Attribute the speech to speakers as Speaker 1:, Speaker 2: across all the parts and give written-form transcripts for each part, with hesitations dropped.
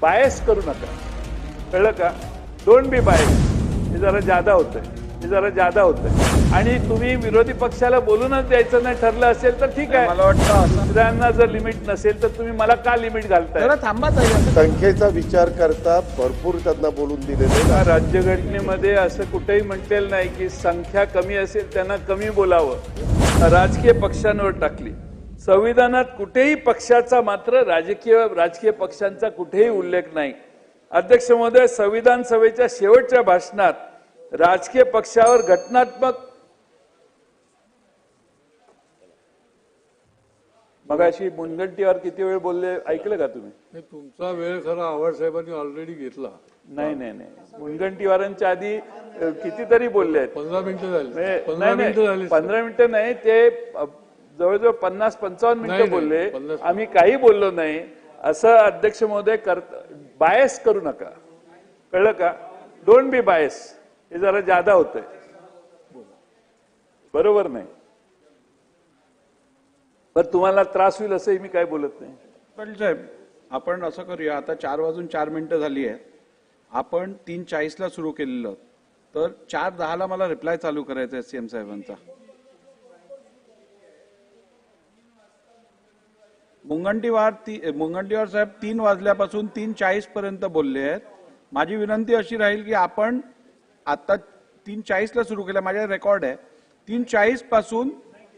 Speaker 1: Bias करू नका, कळलं का? Don't be bias. हे जरा जादा होतंय, आणि तुम्ही विरोधी पक्षाला बोलूनच द्यायचं नाही ठरलं असेल तर ठीक आहे.
Speaker 2: मला वाटतं
Speaker 1: दुसऱ्यांना जर लिमिट नसेल तर तुम्ही मला का लिमिट घालताय?
Speaker 2: जरा थांबा ताई.
Speaker 3: संख्येचा विचार करता भरपूर त्यांना बोलून दिलेले.
Speaker 1: राज्यघटनेमध्ये असं कुठेही म्हटलेलं नाही की संख्या कमी असेल त्यांना कमी बोलावं, राजकीय पक्षांवर टाकली. संविधानात कुठेही पक्षाचा मात्र राजकीय पक्षांचा कुठेही उल्लेख नाही. अध्यक्ष महोदय, संविधान सभेच्या शेवटच्या भाषणात राजकीय पक्षावर घटनात्मक मगाशी मुनगंटीवार किती वेळ बोलले ऐकलं का तुम्ही?
Speaker 4: तुमचा वेळ खरा आव्हाड साहेबांनी ऑलरेडी घेतला.
Speaker 1: नाही, मुनगंटीवारांच्या आधी कितीतरी बोलले आहेत.
Speaker 4: 15 मिनिटं झाली.
Speaker 1: 15 मिनिटं नाही, ते जवळजवळ 50-55 मिनिटं बोलले. आम्ही काही बोललो नाही असं अध्यक्ष महोदय बायस करू नका, कळलं का? Don't be bias. हे जरा जादा होतंय, बरोबर नाही. पण तुम्हाला त्रास होईल असंही मी काय बोलत नाही.
Speaker 2: पाटील साहेब, आपण असं करूया, आता 4:04 झाली आहे. आपण 3:40 सुरू केलेलं, तर 4:10 मला रिप्लाय चालू करायचा आहे सीएम साहेबांचा. मुनगंटीवार साहेब 3 वाजल्यापासून 3:40 पर्यंत बोलले आहेत. माझी विनंती अशी राहील की आपण आता 3:40 सुरू केलं, माझ्या रेकॉर्ड आहे. 3:40 पासून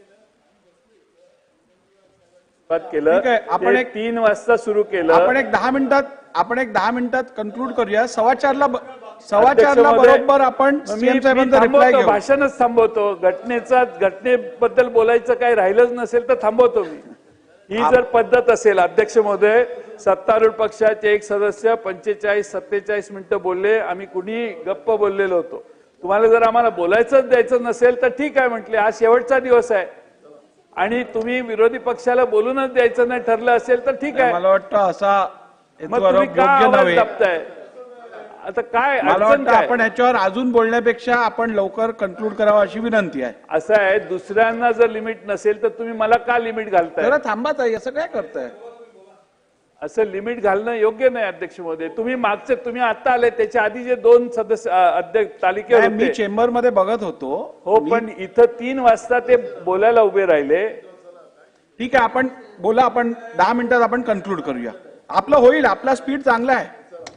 Speaker 1: केलं.
Speaker 2: ठीक आहे, आपण एक
Speaker 1: 3 वाजता सुरू केलं.
Speaker 2: आपण एक 10 मिनिटात कन्क्लूड करूया. 4:15 बरोबर आपण सीएम साहेबांचा रिप्लाय घेऊ.
Speaker 1: भाषणच थांबवतो. घटनेबद्दल बोलायचं काही राहिलंच नसेल तर थांबवतो मी. ही जर पद्धत असेल, अध्यक्ष महोदय, सत्तारूढ पक्षाचे एक सदस्य 45-47 मिनिटं बोलले. आम्ही कुणी गप्प बोललेलो होतो. तुम्हाला जर आम्हाला बोलायचंच द्यायचं नसेल तर ठीक आहे म्हटले. आज शेवटचा दिवस आहे आणि तुम्ही विरोधी पक्षाला बोलूनच द्यायचं नाही ठरलं असेल तर ठीक आहे.
Speaker 2: मला वाटतं असा
Speaker 1: मग तुम्ही का आवाज दाबताय? आता काय
Speaker 2: मला
Speaker 1: अडचण
Speaker 2: वाटतं
Speaker 1: काय?
Speaker 2: आपण याच्यावर अजून बोलण्यापेक्षा आपण लवकर कन्क्लूड करावं अशी विनंती आहे.
Speaker 1: असं आहे, दुसऱ्यांना जर लिमिट नसेल तर तुम्ही मला का लिमिट घालताय?
Speaker 2: जरा थांबा ताई, असं काय करताय?
Speaker 1: असं लिमिट घालणं योग्य नाही अध्यक्ष महोदय. तुम्ही आता आले, त्याच्या आधी जे 2 सदस्य अध्यक्ष तालिकेवर
Speaker 2: नाही, मी
Speaker 1: होते.
Speaker 2: चेंबर मध्ये बघत होतो.
Speaker 1: हो, पण इथं 3 वाजता ते बोलायला उभे राहिले.
Speaker 2: ठीक आहे, आपण बोला. आपण 10 मिनिटात आपण कन्क्लूड करूया. आपलं होईल, आपला स्पीड चांगला आहे.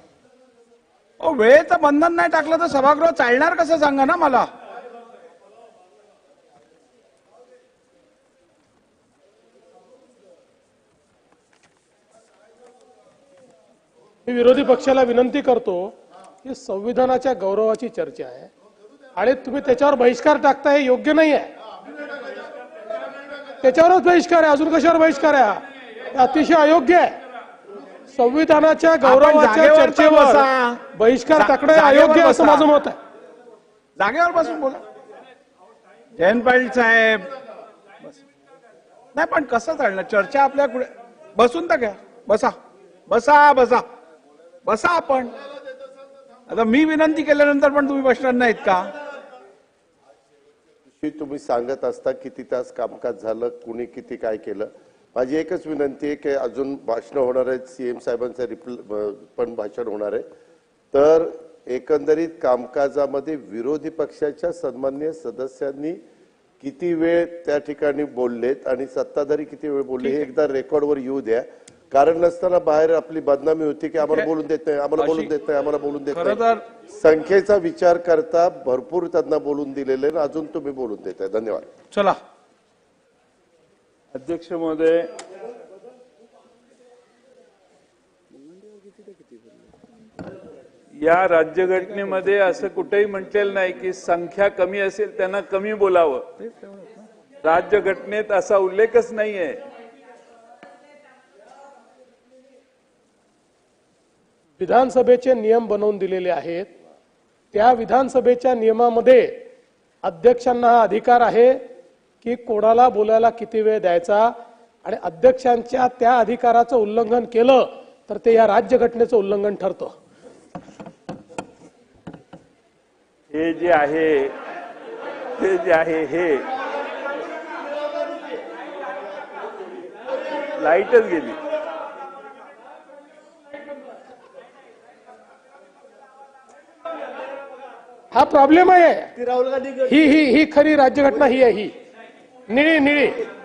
Speaker 2: वेळेचं बंधन नाही टाकलं तर सभागृह चालणार कसं सांगा ना मला.
Speaker 5: मी विरोधी पक्षाला विनंती करतो की संविधानाच्या गौरवाची चर्चा आहे आणि तुम्ही त्याच्यावर बहिष्कार टाकता, हे योग्य नाही आहे. त्याच्यावरच बहिष्कार आहे, अजून कशावर बहिष्कार आहे? हे अतिशय अयोग्य आहे. संविधानाच्या गौरवाच्या चर्चेवर बहिष्कार टाकणं अयोग्य असं माझं मत आहे.
Speaker 2: जागेवर बसून बोला. जयंत पाटील साहेब, नाही पण कसं चालणार चर्चा? आपल्या पुढे बसून तर घ्या. बसा आपण. आता मी विनंती केल्यानंतर पण तुम्ही बसणार नाहीत का?
Speaker 3: तुम्ही सांगत असता किती तास कामकाज झालं, कुणी किती काय केलं. माझी एकच विनंती आहे की अजून भाषण होणार आहेत, सीएम साहेबांचं पण भाषण होणार आहे. तर एकंदरीत कामकाजामध्ये विरोधी पक्षाच्या सन्माननीय सदस्यांनी किती वेळ त्या ठिकाणी बोललेत आणि सत्ताधारी किती वेळ बोलले हे एकदा रेकॉर्डवर येऊ द्या. कारण नसताना बाहेर आपली बदनामी होती की आम्हाला बोलून देत नाही, आम्हाला बोलून देत नाही. संख्येचा विचार करता भरपूर त्यांना बोलून दिलेले, अजून तुम्ही बोलून देताय. धन्यवाद.
Speaker 2: चला
Speaker 1: अध्यक्ष महोदय, या राज्यघटनेमध्ये असं कुठेही म्हटलेलं नाही की संख्या कमी असेल त्यांना कमी बोलावं. राज्यघटनेत असा उल्लेखच नाहीये.
Speaker 5: विधानसभेचे नियम बनवून दिलेले आहेत. त्या विधानसभेच्या नियमामध्ये अध्यक्षांना हा अधिकार आहे की कोणाला बोलायला किती वेळ द्यायचा, आणि अध्यक्षांच्या त्या अधिकाराचं उल्लंघन केलं तर ते या राज्यघटनेचं उल्लंघन ठरतं.
Speaker 1: हे जे आहे हे लाईटच गेली.
Speaker 5: हा प्रॉब्लेम आहे. ही खरी राज्यघटना ही आहे, ही निळी निळी.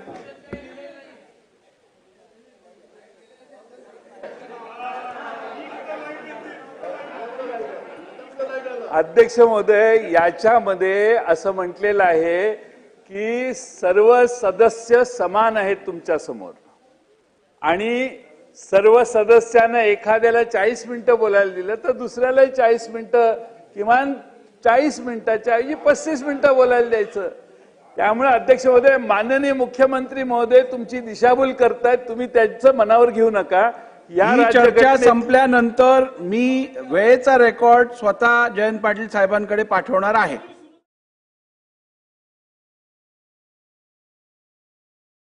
Speaker 1: अध्यक्ष महोदय, याच्यामध्ये असं म्हटलेलं आहे की सर्व सदस्य समान आहेत तुमच्या समोर आणि सर्व सदस्यांना एखाद्याला 40 मिनिटं बोलायला दिलं तर दुसऱ्यालाही 40 मिनिटं, किमान 40 मिनिटाच्या ऐवजी 35 मिनिटं बोलायला द्यायचं. त्यामुळे अध्यक्ष महोदय, माननीय मुख्यमंत्री महोदय तुमची दिशाभूल करतायत, तुम्ही त्यांचं मनावर घेऊ नका. या
Speaker 2: ही चर्चा
Speaker 1: राज्यघटनेत
Speaker 2: संपल्यानंतर मी वेळेचा रेकॉर्ड स्वतः जयंत पाटील साहेबांकडे पाठवणार आहे.